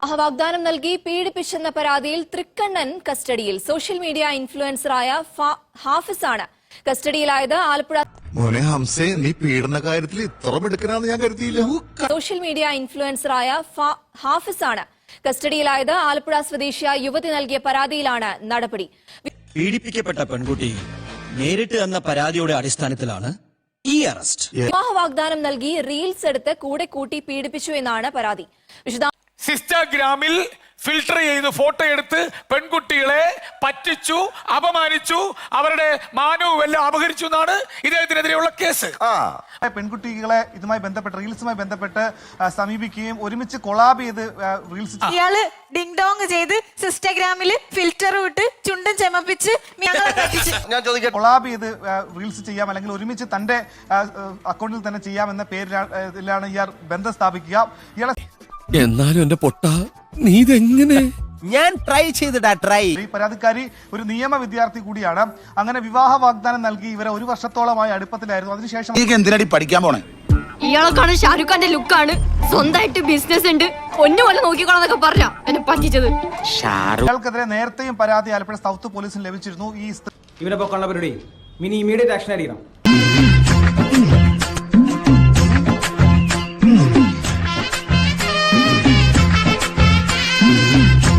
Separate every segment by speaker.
Speaker 1: വാഗ്ദാനം നൽകി പീഡിപ്പിച്ചെന്ന പരാതിയിൽ തൃക്കണ്ണൻ കസ്റ്റഡിയിൽ. സോഷ്യൽ മീഡിയ ഇൻഫ്ലുവൻസറായ ഹാഫിസാണ് കസ്റ്റഡിയിലായത്. ആലപ്പുഴ
Speaker 2: മോനെ ഹംസേ, നീ പീഡന കാര്യത്തിൽ ഇത്ര മിടുക്കനാന്ന് ഞാൻ കരുതിയില്ല.
Speaker 1: സോഷ്യൽ മീഡിയ ഇൻഫ്ലുവൻസറായ ഹാഫിസാണ് കസ്റ്റഡിയിലായത്. ആലപ്പുഴ സ്വദേശിയായ യുവതി നൽകിയ പരാതിയിലാണ് നടപടി.
Speaker 3: പീഡിപ്പിക്കപ്പെട്ട പെൺകുട്ടി നേരിട്ട് തന്ന പരാതിയുടെ അടിസ്ഥാനത്തിലാണ് ഈ അറസ്റ്റ്.
Speaker 1: വിവാഹ വാഗ്ദാനം നൽകി റീൽസ് എടുത്ത് കൂടെ കൂട്ടി പീഡിപ്പിച്ചു എന്നാണ് പരാതി.
Speaker 4: ഇൻസ്റ്റാഗ്രാമിൽ ഫിൽട്ടർ ചെയ്ത് ഫോട്ടോ എടുത്ത് പെൺകുട്ടികളെ പറ്റിച്ചു, അപമാനിച്ചു, അവരുടെ മാനവും എല്ലാം അപഹരിച്ചു എന്നാണ് ഇദ്ദേഹത്തിനെതിരെയുള്ള കേസ്.
Speaker 5: പെൺകുട്ടികളെ ഇതുമായി ബന്ധപ്പെട്ട് റീൽസുമായി ബന്ധപ്പെട്ട് സമീപിക്കുകയും ഒരുമിച്ച് കൊളാബ് ചെയ്ത് റീൽസ്
Speaker 6: ഇയാള് ഡിങ് ഡോങ് ചെയ്ത് ഇൻസ്റ്റാഗ്രാമിൽ ഫിൽറ്റർ വിട്ട് ചുണ്ടും ചെമപ്പിച്ച്
Speaker 5: കൊളാബ് ചെയ്ത് റീൽസ് ചെയ്യാം, അല്ലെങ്കിൽ ഒരുമിച്ച് തന്റെ അക്കൗണ്ടിൽ തന്നെ ചെയ്യാമെന്ന പേരിലാണ് ഇയാൾ ബന്ധം സ്ഥാപിക്കുക. ഇയാളെ
Speaker 7: എന്നാലും എന്റെ പൊട്ട നീ ഇതെങ്ങനെ?
Speaker 3: ഞാൻ ട്രൈ ചെയ്തിടാ ട്രൈ.
Speaker 5: ഈ പരാതിക്കാരി ഒരു നിയമ വിദ്യാർത്ഥി കൂടിയാണ്. അങ്ങനെ വിവാഹ വാഗ്ദാനം നൽകി ഇവരെ 1 വർഷത്തോളമായി അടുപ്പത്തിലായിരുന്നു. അതിനുശേഷം
Speaker 2: എന്തിനടി പഠിക്കാൻ പോണേ?
Speaker 8: ഇയാളെക്കാണ് ഷാരൂഖ് ഖാന്റെ ലുക്കാണ്, സ്വന്തമായിട്ട് ബിസിനസ് ഉണ്ട്, പൊന്നുപോലെ നോക്കിക്കോളന്നൊക്കെ പറഞ്ഞ എന്നെ പറ്റിച്ചത്.
Speaker 5: ഇയാൾക്കെതിരെ നേരത്തെയും പരാതി ആലപ്പുഴ സൗത്ത് പോലീസിന് ലഭിച്ചിരുന്നു. ഈ
Speaker 9: ഇവരെ പൊക്കാനുള്ള പരിപാടി മിനി ഇമീഡിയറ്റ് ആക്ഷൻ ആയിരിക്കണം.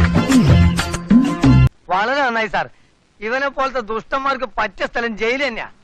Speaker 10: വളരെ നന്നായി സാർ. ഇവനെ പോലത്തെ ദുഷ്ടന്മാർക്ക് പറ്റിയ സ്ഥലം ജയിൽ തന്നെയാ.